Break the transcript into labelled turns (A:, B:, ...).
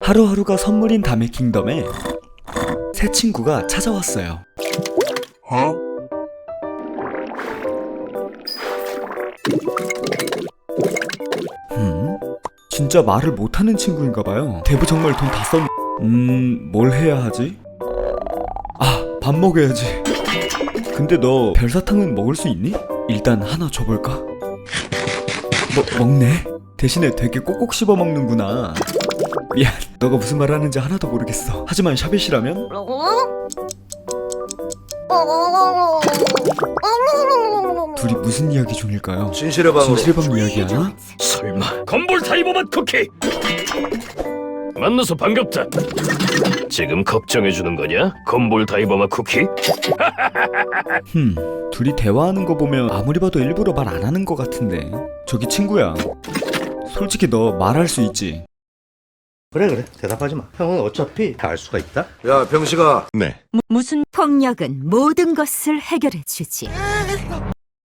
A: 하루하루가 선물인 다메킹덤에 새 친구가 찾아왔어요. 진짜 말을 못하는 친구인가봐요. 대부 정말 돈 다 썼... 뭘 해야 하지? 아, 밥 먹어야지. 근데 너 별사탕은 먹을 수 있니? 일단 하나 줘볼까? 먹네? 대신에 되게 꼭꼭 씹어 먹는구나. 미안, 너가 무슨 말 하는지 하나도 모르겠어. 하지만 샤벳이라면? 둘이 무슨 이야기 중일까요?
B: 진실의 방으로.
A: 진실의 방 이야기하나?
C: 설마 건볼 타이버맛 쿠키? 만나서 반갑다. 지금 걱정해주는 거냐? 건볼 타이버맛 쿠키?
A: 둘이 대화하는 거 보면 아무리 봐도 일부러 말 안 하는 거 같은데. 저기 친구야, 솔직히 너 말할 수 있지?
B: 그래 대답하지 마. 형은 어차피 다 알 수가 있다. 야 병식아.
D: 네.
E: 무슨 폭력은 모든 것을 해결해 주지.